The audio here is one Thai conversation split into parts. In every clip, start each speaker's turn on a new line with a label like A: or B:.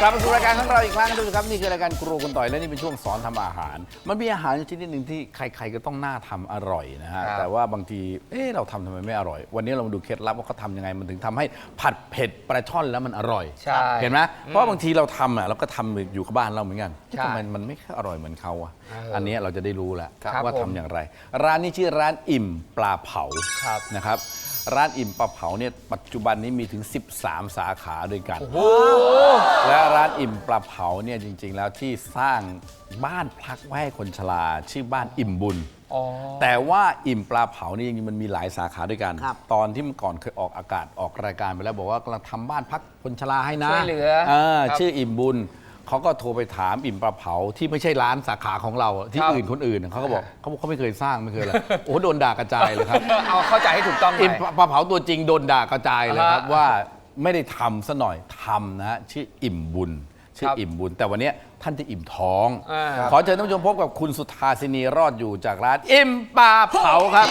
A: ลับมาสู่รายการของเราอีกครั้งทุกท่านครับนี่คือรายการครัวคุณต่อยและนี่เป็นช่วงสอนทำอาหารมันมีอาหารชนิดหนึ่งที่ใครๆก็ต้องน่าทำอร่อยนะฮะแต่ว่าบางทีเราทำไมไม่อร่อยวันนี้เรามาดูเคล็ดลับว่าเขาทำยังไงมันถึงทำให้ผัดเผ็ดปลาช่อนแล้วมันอร่อยเห็นไหมเพราะบางทีเราทำเราก็ทำอยู่กับบ้านเราเหมือนกันทำไมมันไม่อร่อยเหมือนเขาอ่ะอันนี้เราจะได้รู้แล้วว่าทำอย่างไรร้านนี้ชื่อร้านอิ่มปลาเผานะครับร้านอิ่มปลาเผาเนี่ยปัจจุบันนี้มีถึง13 สาขาด้วยกันและร้านอิ่มปลาเผาเนี่ยจริงๆแล้วที่สร้างบ้านพักไว้ให้คนชราชื่อบ้านอิ่มบุญแต่ว่าอิ่มปลาเผานี่จริงๆมันมีหลายสาขาด้วยกันตอนที่เมื่อก่อนเคยออกอากาศออกรายการไปแล้วบอกว่ากำลังทำบ้านพักคนชราให้นะ
B: ช่วยเหลือ
A: ชื่ออิ่มบุญเขาก็โทรไปถามอิ่มปลาเผาที่ไม่ใช่ร้านสาขาของเราที่อื่นคนอื่นเขาก็บอกเขาไม่เคยสร้างไม่เคยเลยโอ้โดนด่ากระจายเลยครับ
B: เอาเข้าใจให้ถูกต้อง
A: อิ่มปลาเผาตัวจริงโดนด่ากระจายเลยครับว่าไม่ได้ทำซะหน่อยทำนะชื่ออิ่มบุญชื่ออิ่มบุญแต่วันนี้ท่านจะอิ่มท้องขอเชิญท่านผู้ชมพบกับคุณสุธาสินีรอดอยู่จากร้านอิ่มปลาเผาครับ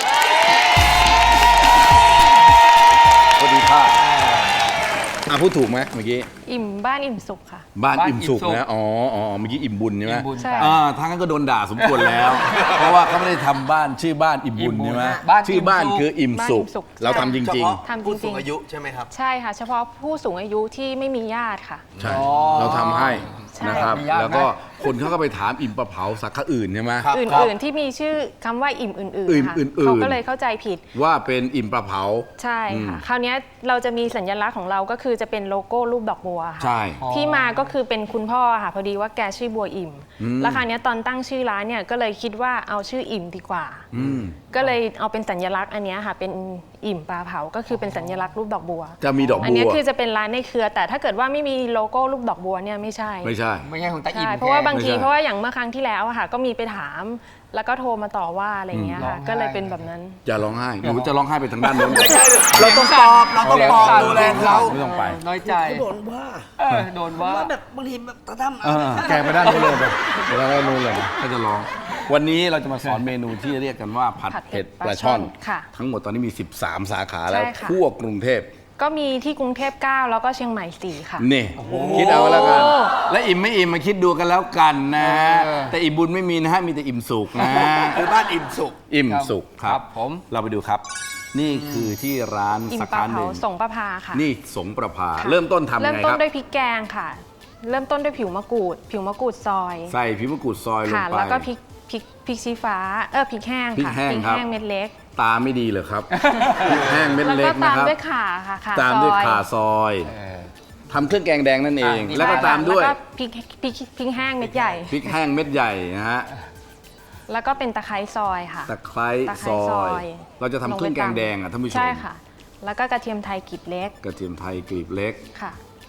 A: สวัสดีค่ะพูดถูกไหมเมื่อกี้
C: อิ่มบ้านอิ่มสุขค่ะ
A: บ้านอิ่มสุขนะอ๋อเมื่อกี้อิ่มบุญใช่ไหม
C: ใช่
A: ทางนั้นก็โดนด่าสมควรแล้ว เพราะว่าเขาไม่ได้ทำบ้านชื่อบ้านอิ่มบุญใช่ไหมชื่อบ้านคืออิ่มสุขเราทำจริง
D: ๆผู้สูงอายุใช่ไหมครับ
C: ใช่ค่ะเฉพาะผู้สูงอายุที่ไม่มีญาติค่ะ
A: ใช่เราทำให้นะครับแล้วก็คนเขาก็ไปถามอิ่มปลาเผาสาขาอื่นใช่ไหม
C: อื่นๆที่มีชื่อคำว่าอิ่มอื่นๆค่ะเขาก็เลยเข้าใจผิด
A: ว่าเป็นอิ่มปลาเผา
C: ใช่ค่ะคราวนี้เราจะมีสัญลักษณ์ของเราก็คือจะเป็นโลโก้รูปดอกบัวค่ะ
A: ใช่
C: ที่มาก็คือเป็นคุณพ่อค่ะพอดีว่าแกชื่อบัวอิ่มแล้วคราวนี้ตอนตั้งชื่อร้านเนี่ยก็เลยคิดว่าเอาชื่ออิ่มดีกว่าก็เลยเอาเป็นสัญลักษณ์อันนี้ค่ะเป็นอิ่มปลาเผาก็คือเป็นสัญลักษณ์รูปดอกบัว
A: จะมีดอกบัว
C: อันนี้คือจะเป็นร้านในเครือแต่ถ้าเกิดว่าไม่มีโลโก้รูปดอกบัวเนี่ยไม่ใช่
B: ของตาอิ่ม
C: เพราะว่าบางทีเพราะว่าอย่างเมื่อครั้งที่แล้วค่ะก็มีไปถามแล้วก็โทรมาต่อว่าอะไรเงี้ยค่ะก็เลยเป็นแบบนั้น
A: อย่าร้องไห้หนูจะร้องไห้ไปทางด้านนู้น
D: เราต้องปลอบดูแลเขา
A: ไม่ต้องไป
B: น้อยใจ
D: โดนว่า
B: โดนว่า
D: แบบบางทีแบบตาท
A: ำแกไปด้านนู้นเลยไปด้านนู้นเลยถ้าจะร้องวันนี้เราจะมาสอนเมนูที่เรียกกันว่าผัดเผ็ดปลาช่อนทั้งหมดตอนนี้มี13 สาขาแล้วทั่วกรุงเทพ
C: ก็มีที่กรุงเทพ9แล้วก็เชียงใหม่4ค่ะ
A: นี่คิดเอาแล้วกันและอิ่มไม่อิ่มมาคิดดูกันแล้วกันนะแต่อิ่มบุญไม่มีนะฮะมีแต่อิ่มสุขนะ
D: คือบ้านอิ่มสุข
A: อิ่มสุขครับผมเราไปดูครับนี่คือที่ร้าน
C: สาขาหนึ่งสงประภาค่ะ
A: นี่สงประภาเริ่มต้นทำยังไงครับ
C: เริ่มต้นด้วยพริกแกงค่ะเริ่มต้นด้วยผิวมะกรูดซอย
A: ใส่ผิวมะกรูดซอยลงไป
C: แล้วก็พริกชี้ฟ้าพริกแห้งค่ะพริกแห้งเม็ดเล็ก
A: ตาไม่ดีเลยครับพริกแห้งเม็ดเล็กนะครับ
C: แล้วก็ตามด้วยข่าค่ะ
A: ตามด้วยข่าซอยทำเครื่องแกงแดงนั่นเองแล้วก็ตามด้วย
C: พริกแห้งเม็ดใหญ่
A: พริกแห้งเม็ดใหญ่นะฮะ
C: แล้วก็เป็นตะไคร้ซอยค่ะ
A: ตะไคร้ซอยเราจะทำเครื่องแกงแดงท่านผู้ชม
C: ใช่ค่ะแล้วก็กระเทียมไทยกลีบเล็ก
A: ค่ะ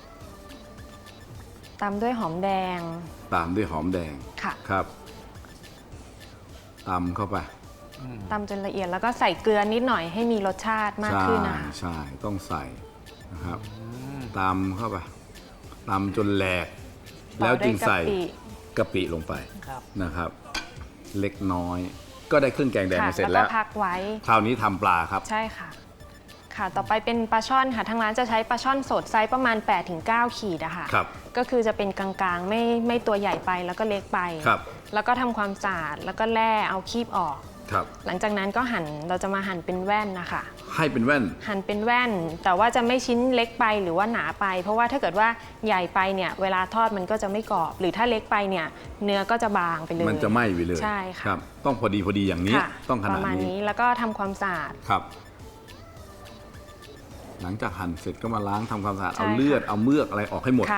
C: ตามด้วยหอมแดง
A: ค่ะครับตำเข้าไป
C: ตำจนละเอียดแล้วก็ใส่เกลือนิดหน่อยให้มีรสชาติมากขึ้นนะคะ
A: ใช่ต้องใส่นะครับตำเข้าไปตำจนแหลกแล้วจึงใส่กะปิลงไปนะครับเล็กน้อยก็ได้เครื่องแกงแดงมาเสร็จแล้ว
C: พักไว้
A: คราวนี้ทำปลาครับ
C: ใช่ค่ะต่อไปเป็นปลาช่อนค่ะทางร้านจะใช้ปลาช่อนสดไซส์ประมาณ 8-9 ขีดอะค่ะก็คือจะเป็นกลางๆไม่ตัวใหญ่ไปแล้วก็เล็กไปแล้วก็ทำความสะอาดแล้วก็แล่เอาคีบออกหลังจากนั้นก็เราจะมาหั่นเป็นแว่นนะคะ
A: ให้เป็นแว่น
C: หั่นเป็นแว่นแต่ว่าจะไม่ชิ้นเล็กไปหรือว่าหนาไปเพราะว่าถ้าเกิดว่าใหญ่ไปเนี่ยเวลาทอดมันก็จะไม่กรอบหรือถ้าเล็กไปเนี่ยเนื้อก็จะบางไปเลย
A: มันจะไหม้ไปเลย
C: ใช่ค่ะ
A: ต้องพอดีอย่างนี้ต้องขนาดนี้
C: ประมาณนี้แล้วก็ทำความสะอาด
A: ครับหลังจากหั่นเสร็จก็มาล้างทำความสะอาดเอาเลือดเอาเมือกอะไรออกให้หมด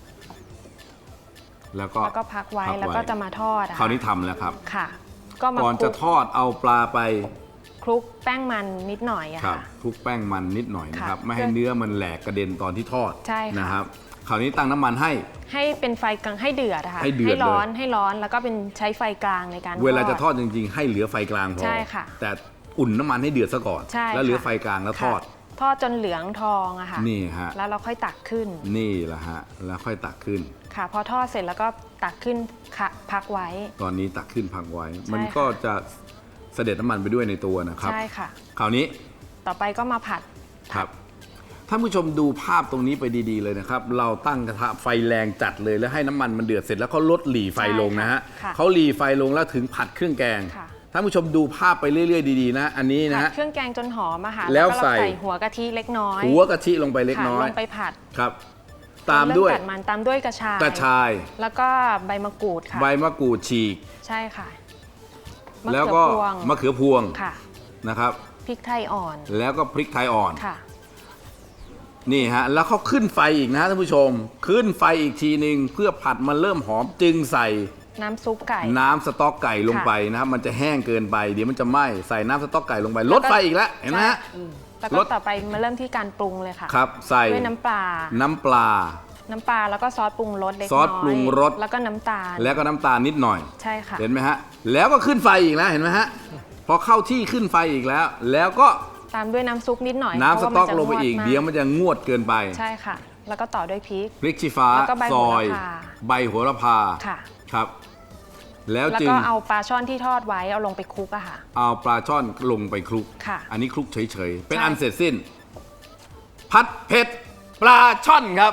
A: แล้วก็
C: พักไว้แล้วก็จะมาทอด
A: คราวนี้ทำแล้วครับ
C: ค่ะ
A: ก่อนจะทอดเอาปลาไป
C: คลุกแป้งมันนิดหน่อย
A: ค่ะคลุกแป้งมันนิดหน่อยนะครับไม่ให้เนื้อมันแหลกกระเด็นตอนที่ทอดนะครับคราวนี้ตั้งน้ำมันให้
C: เป็นไฟกลางให้เดือดค่ะให้ร้อนแล้วก็เป็นใช้ไฟกลางในการทอด
A: เวลาจะทอดจริงๆให้เหลือไฟกลางพอ
C: ใช่ค่ะ
A: แต่อุ่นน้ำมันให้เดือดซะก่อนแล้วเหลือไฟกลางแล้วทอด
C: จนเหลืองทองอะค่ะ
A: นี่ฮะ
C: แล้วเราค่อยตักขึ้น
A: นี่แหละฮะแล้วค่อยตักขึ้น
C: ค่ะพอทอดเสร็จแล้วก็ตักขึ้นพักไว้
A: ตอนนี้ตักขึ้นพักไว้มันก็จะเสด็จน้ำมันไปด้วยในตัวนะครับ
C: ใช่ค่ะ
A: คราวนี้
C: ต่อไปก็มาผัด
A: ครับท่านผู้ชมดูภาพตรงนี้ไปดีๆเลยนะครับ เราตั้งกระทะไฟแรงจัดเลยแล้วให้น้ำมันมันเดือดเสร็จแล้วเขาลดหลีไฟลงนะฮะ
C: ค่ะ
A: เขาหลีไฟลงแล้วถึงผัดเครื่องแกง
C: ค่ะ
A: ท่านผู้ชมดูภาพไปเรื่อยๆดีๆนะอันนี้นะ
C: ผัด
A: ฮะ
C: เครื่องแกงจนหอมอะค่ะ
A: แล้ว
C: ก็
A: ใส่
C: หัวกะทิเล็กน้อย
A: หัวกะทิลงไปเล็ก
C: ค่ะ
A: น้อย
C: ลงไปผัด
A: ครับ ตามด้วย
C: เริ่ตัมันตามด้วยกระชาย
A: กระชาย
C: แล้วก็ใบมะกรูดค่ะ
A: ใบมะกรูดฉีก
C: ใช่ค่ะมะ
A: แล้ว
C: เขือ
A: ก็
C: พวง
A: มะเขือพวง
C: ค่ะ
A: นะครับ
C: พริกไทยอ่อน
A: แล้วก็พริกไทยอ่อน
C: ค่ะ
A: นี่ฮะแล้วเขาขึ้นไฟอีกนะท่านผู้ชม ขึ้นไฟอีกทีหนึ่งเพื่อผัดมันเริ่มหอมจึงใส่
C: น้ำซุปไก่
A: น้ำสต๊อกไก่ลงไปนะครับมันจะแห้งเกินไปเดี๋ยวมันจะไหม้ใส่น้ำสต๊อกไก่ลงไปลดไฟอีกแล้วเห็นไหมฮะ
C: แล้ว
A: ร
C: ก็
A: ส
C: ต่อไปมาเริ่มที่การปรุงเลยค่ะ
A: ครับใส่
C: ด้วยน้ำปลา
A: น้ำปลา
C: น้ำปลาแล้วก็ซอสปรุงรสเล็กน้อย
A: ซอสปรุงรส
C: แล้วก็น้ำตาล
A: แล้วก็น้ำตาลนิดหน่อย
C: ใช่ค่ะ
A: เห็นไหมฮะแล้วก็ขึ้นไฟอีกแล้วเห็นไหมฮะพอเข้าที่ขึ้นไฟอีกแล้ว แล้วก็
C: ตามด้วยน้ำซุปนิดหน่อย
A: น้ำสต๊อก
C: เพ
A: ล
C: ราะ
A: ง
C: ว่า
A: ไปอีก
C: มันจะ
A: เดี๋ยวมันจะงวดเกินไป
C: ใช่ค่ะ แล้วก็ต่อด้วยพริก
A: พริกชี้ฟ้า
C: แล้วก็ใบ
A: ซ
C: โห
A: อ
C: ระ
A: ย
C: พา
A: ใบโหระพา
C: ค่ะ
A: ครับ แล้ว
C: แล้ว
A: จึง
C: ก็เอาปลาช่อนที่ทอดไว้เอาลงไปคลุกอะค่ะ
A: เอาปลาช่อนลงไปคลุก
C: ค่ะ
A: อันนี้คลุกเฉยๆ เป็น
C: ใช่
A: อันเสร็จสิ้น ผัดเผ็ดปลาช่อนครับ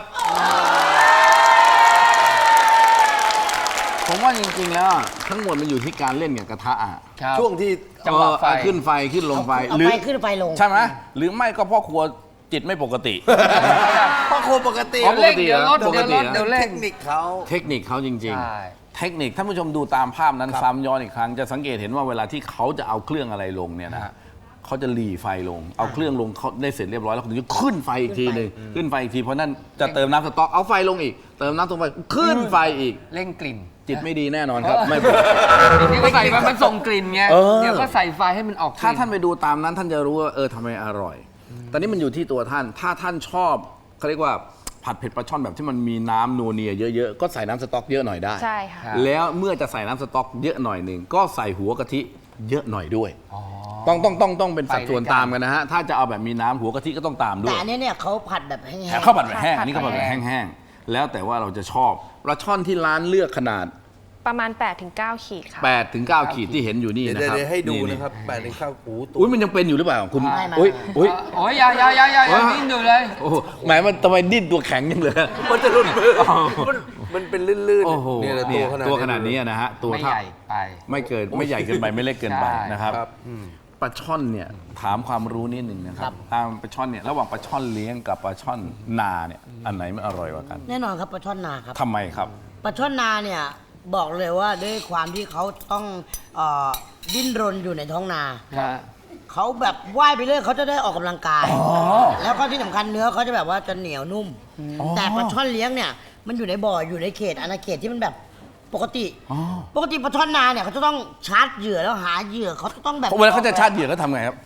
A: ผมว่าจริงๆแล้วทั้งหมดมันอยู่ที่การเล่นกับกระทะอะ
B: ครับ
D: ช่วงที่
B: จังหวะไฟ
A: ขึ้นไฟขึ้นลงไฟ
E: เอาไฟขึ้นไฟลง
A: ใช่ไหมหรือไม่ก็พ่อครัวจิตไม่ปกติ
D: พ่อครัวปกติ
A: อ๋อ
B: เร่งเดี๋ยวลด
A: ปก
B: เดี๋ยว
A: ติ
B: ลด
A: นะ
B: เดี๋ยวเร่
D: เท
B: ง
D: คนิคเขา
A: เทคนิคเขาจริง
B: ใช่
A: ๆ เทคนิคท่านผู้ชมดูตามภาพนั้นซ้ำย้อนอีกครั้งจะสังเกตเห็นว่าเวลาที่เขาจะเอาเครื่องอะไรลงเนี่ยนะเขาจะหลีไฟลง เอาเครื่องลงเขาได้เสร็จเรียบร้อยแล้วเขาถึงจะขึ้นไฟอีกทีหนึ่งขึ้นไฟอีกทีเพราะนั่นจะเติมน้ำสต๊อกเอาไฟลงอีก เติมน้ำสต๊อกไปขึ้นไฟอีก
B: เร่งกลิ่น
A: จิตไม่ดีแน่นอนครับไม่ปกติ
B: นี่ก็ใส่ไปมันส่งกลิ่นไง
A: เออ
B: เดี๋ยวก็ใส่ไฟให้มันออกกลิ่
A: ถ้าท่านไปดูตามนั้นท่านจะรู้ว่าทำไมอร่อย ตอนนี้มันอยู่ที่ตัวท่าน ถ้าท่านชอบเขาเรียกว่าผัดเผ็ดปลาช่อนแบบที่มันมีน้ำนัวเนียเยอะๆ ก็ใส่น้ำสต๊อกเยอะหน่อยได้
C: ใช่ค่ะ
A: แล้วเมื่อจะใส่น้ำสต๊อกเยอะหน่อยหนึ่งก็ใส่หัวกะทิเยอะหน่อยด้วย ต้องเป็นสัดส่วน
B: ไปด้วยกัน
A: ตามกันนะฮะ ถ้าจะเอาแบบมีน้ำหัวกะทิก็ต้องตามด้
E: แต่
A: วย
E: อันนี้เนี่ยเขาผัดแบบแห้ง
A: แต่ข้าวผัดแบบแห้ง
C: ผัด
A: อันนี้ข้าวผัดแบบ
B: แห้ง
A: แห้งๆ แล้วแต่ว่าเราจะชอบปลาช่อนที่ร้านเลือกขนาด
C: ประมาณ 8-9 ขีดค่ะ
A: 8 ถึง 9 ขีดที่เห็นอยู่นี่
D: เดี๋ยว
A: นะครับ
D: เดี๋ยวให้ดูนะครับแปดในข้าวหูตัว
A: อุ้ยมันยังเป็นอยู่หรือเปล่าคุณ
E: ไม่
A: อุ้ย
B: โอ้ยอย่าดิ้นอยู่เลย
A: โอ้โหแหมมันทำไมดิ้นตัวแข็งยังเลย
D: มันจะหลุดมือมันเป็นลื่น
A: โอ้โห
D: ๆเนี่ยแหละ
A: ตัวขนาดนี้นะฮะตัว
B: ไม่
A: เท่า
B: ใหญ่ไป
A: ไม่เกินไม่ใหญ่เกินไปไม่เล็กเกินไป
B: ใช่
A: นะครับ
D: ครับ
A: ปลาช่อนเนี่ยถามความรู้นิดหนึ่งนะครับตามปลาช่อนเนี่ยระหว่างปลาช่อนเลี้ยงกับปลาช่อนนาเนี่ยอันไหนมันอร่อยกว่ากัน
E: แน่นอนครับปลาช่อนนาครับ
A: ทำไมครับ
E: ปลาช่อนนาเนี่ยบอกเลยว่าด้วยความที่เขาต้องดิ้นรนอยู่ในท้องนา
B: ฮะ
E: เขาแบบว่ายไปเรื่อยเขาจะได้ออกกำลังกาย แล้วก็ที่สำคัญเนื้อเขาจะแบบว่าจะเหนียวนุ่ม แต่ปลาช่อนเลี้ยงเนี่ยมันอยู่ในบ่ออยู่ในเขตอาณาเขตที่มันแบบปกติ ปกติปลาช่อนนาเนี่ยเขาจะต้องชาร์จเหยื่อแล้วหาเหยื่อเขาจะต้องแบบ
A: เวลาเขาจะชาร์จเหยื่อเขาทำไงครับ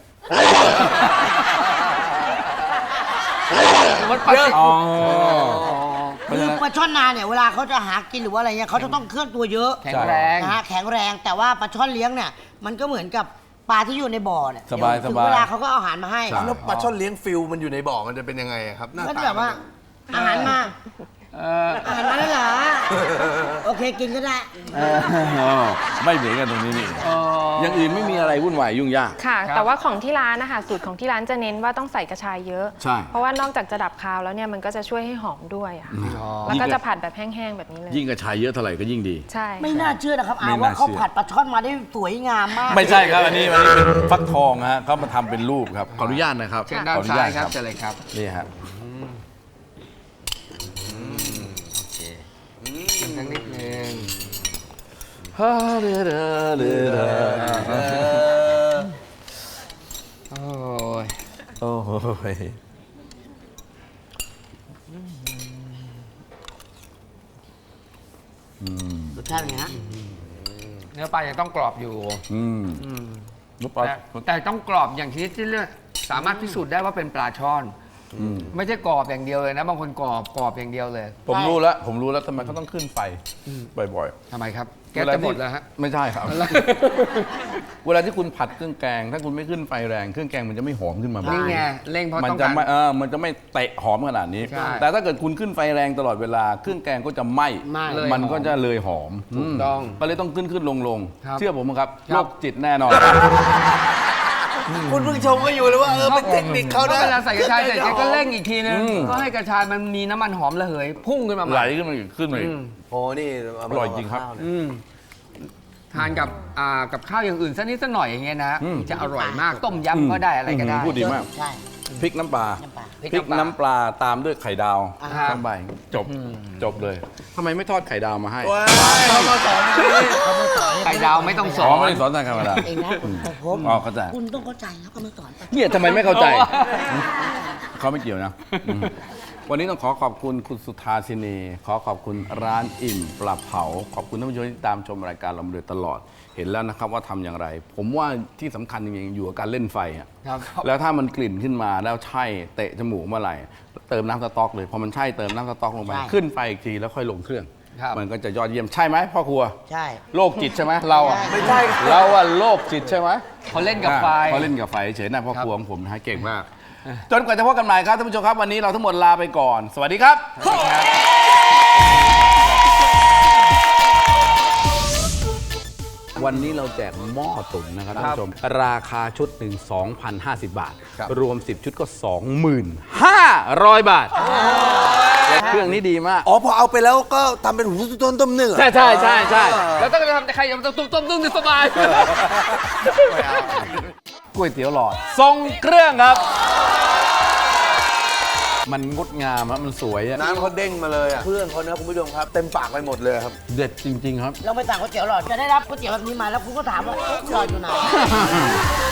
B: มันปลา
A: อ๋อ
E: คือปลาช่อนนาเนี่ยเวลาเขาจะหากินหรือว่าอะไรเงี้ยเขาจะต้องเคลื่อนตัวเยอะ
B: แข็งแรง
E: นะฮะแข็งแรงแต่ว่าปลาช่อนเลี้ยงเนี่ยมันก็เหมือนกับปลาที่อยู่ในบ่อเนี่ย
A: สบาย
E: เดี๋วถึง
A: สบาย
E: เวลาเขาก็เอาอาหารมาให้
D: แล้วปลาช่อนเลี้ยงฟิลมันอยู่ในบ่อมันจะเป็นยังไงอะครับหน้า
E: ก็
D: ตา
E: จะแบบว่าอาหารมา
B: เออ
E: อาหารมาแล้วเหรอโอเคกินก็ได้
A: ไม่เหมือนกันตรงนี้นี่
B: เออ
A: อย่างอื่นไม่มีอะไรวุ่นวายยุ่งยาก
C: ค่ะ
B: ครับ
C: แต่ว่าของที่ร้านนะคะสูตรของที่ร้านจะเน้นว่าต้องใส่กระชายเยอะ
A: ใช่
C: เพราะว่านอกจากจะดับคาวแล้วเนี่ยมันก็จะช่วยให้หอมด้วยอะค่ะแล้วก็จะผัดแบบแห้งๆแบบนี้เลย
A: ยิ่งกระชายเยอะเท่าไหร่ก็ยิ่งดี
C: ใช่
E: ไม่น่าเชื่อนะครับ
A: ไม่
E: อา
A: น่า
E: ว่าเขา
A: เชื่อ
E: ผัดปลาช่อนมาได้สวยงามมาก
A: ไม่ใช่ครับอันนี้เป็นฟักทองฮะเขามาทำเป็นรูปครับขออนุญาตนะครับ
B: เชิญด้าน
A: ขออนุ
B: ซ้า
A: ญาย ต
B: ครับเชิญเลยครับ
A: นี่ฮะ
B: ชิมสักนิดนึงโอ้ย
A: โอ้โห
E: รสชาติเป็นไงฮะ
B: เนื้อปลายังต้องกรอบอยู่
A: ลูกปลา
B: แต่ต้องกรอบอย่างที่เลือกสามารถพิสูจน์ได้ว่าเป็นปลาช่อน ไม่ใช่กรอบอย่างเดียวเลยนะ บางคนกรอบอย่างเดียวเลย
A: ผมรู้แล้วทำไมเขาต้องขึ้นไฟบ่อยๆ
B: ทำไมครับ แก๊สจะหมดแล้วฮะ
A: ไม่ใช่ครับ เวลาที่คุณผัดเครื่องแกง ถ้าคุณไม่ขึ้นไฟแรงเครื่องแกงมันจะไม่หอมขึ้นมาบ้าง
B: นี่ไงเร่งเพราะ
A: มัน
B: ต้อง
A: จะ
B: การ
A: ไม่มันจะไม่เตะหอมขนาดนี้
B: ใช่
A: แต่ถ้าเกิดคุณขึ้นไฟแรงตลอดเวลาเครื่องแกงก็จะไหม้
B: เลย
A: มันก็จะเลยหอม
B: ถูกต้อง
A: ก็เลยต้องขึ้นลง
B: ครับ
A: เชื่อผมครับ
B: ครั
A: โร
B: บ
A: คจิตแน่นอน
D: คุณเพิ่งชมก็อยู่เลยว่าเป็นเทคนิคเขา
B: เพราะ
D: นะ
B: เวลาใส่กระชายเสร็จแกก็เร่งอีกทีนึงก็ให้กระชายมันมีน้ำมันหอมระเหยพุ่งขึ้นมาให
A: ไหล
B: ม่
A: ขึ้นมาอีกขึ้นมาอีก
D: โอ้นี่
A: อร่อยจริงครับ
B: ทานกับข้าวอย่างอื่นสักนิดสักหน่อยอย่างเงี้ยนะจะอร่อยมากต้มยำก็ได้อะไรก็ได้
A: พูดดีมาก
E: ใช่
A: พริกน้ำปลา
E: น้ำปลา
B: พริก
A: พริก
B: น้ำปลา
A: น้ำปลาตามด้วยไข่ดาว
B: ครับ
A: ข้างใบจบเลยทำไมไม่ทอดไข่ดาวมาให้
D: ว้ายเขามาสอนอย่างนี้
E: เขาไม่สอน
B: ไข่ดาวไม่ต้องส
A: อ๋
B: อ
A: อน ไม่ได้สอนทางธรรมดา
E: เองนะแต่ผม
A: อ๋อเข้าใจ
E: คุณต้องเข้าใจแล้วก็ไม่สอน
A: เนี่ยทำไมไม่เข้าใจ
B: โอ้
A: เขาไม่เกี่ยวนะวันนี้ต้องขอขอบคุณคุณสุธาสินีขอขอบคุณร้านอิ่มปลาเผา ขอบคุณท่านผู้ชมที่ตามชมรายการเรามาโดยตลอด เห็นแล้วนะครับว่าทำอย่างไร ผมว่าที่สำคัญจริงๆอยู่กับการเล่นไฟอะ
B: ครับ
A: แล้วถ้ามันกลิ่นขึ้นมาแล้วใช่เตะจมูกเมื่อไหร่เติมน้ำสต๊อกเลยพอมันใช่เติมน้ำสต๊อกลงไปขึ้นไฟอีกทีแล้วค่อยลงเครื่อง
B: ครับ
A: มันก็จะยอดเยี่ยมใช่ไหมพ่อครัว
E: ใช่
A: โรคจิตใช่ไหมเราอะ
D: ไม่ใช่ครับ
A: เราอะโรคจิตใช่ไหม
B: เขาเล่นกับไฟ
A: เขาเล่นกับไฟเฉยๆนะพ่อ
B: ครับ
A: ครัวของผมนะฮะเก่งมาก จนกว่าจะพบกันใหม่ครับท่านผู้ชมครับวันนี้เราทั้งหมดลาไปก่อน สวัสดีครับ วันนี้เราแจกหม้อตุ๋นนะครับท่านผู้ชม ราคาชุดหนึ่ง 2,050 บาท รวม 10 ชุดก็ 2,500 บาท เครื่องนี้ดีมาก
D: อ๋อพอเอาไปแล้วก็ทำเป็นหูต้นต้มเนื้อ
A: ใช่ใช่ใช่ใช่
B: แล้วต้องทำแต่ใครยังต้มนึ่งสบาย
A: ก๋วยเตี๋ยวหลอดทรงเครื่องครับ มันงดงามอะมันสวยอะ
D: น้ำเขาเด้งมาเลยอ่ะเพื่อนเขานะคุณผู้ชมครับ เต็มปากไปหมดเลยครับ
A: เด็ดจริง ๆ ครับ
E: เราไปสั่งก๋วยเตี๋ยวหลอดจะได้รับก๋วยเตี๋ยวแบบนี้มาแล้วคุณก็ถามว่าเอ๊ะหลอดอยู่ไหน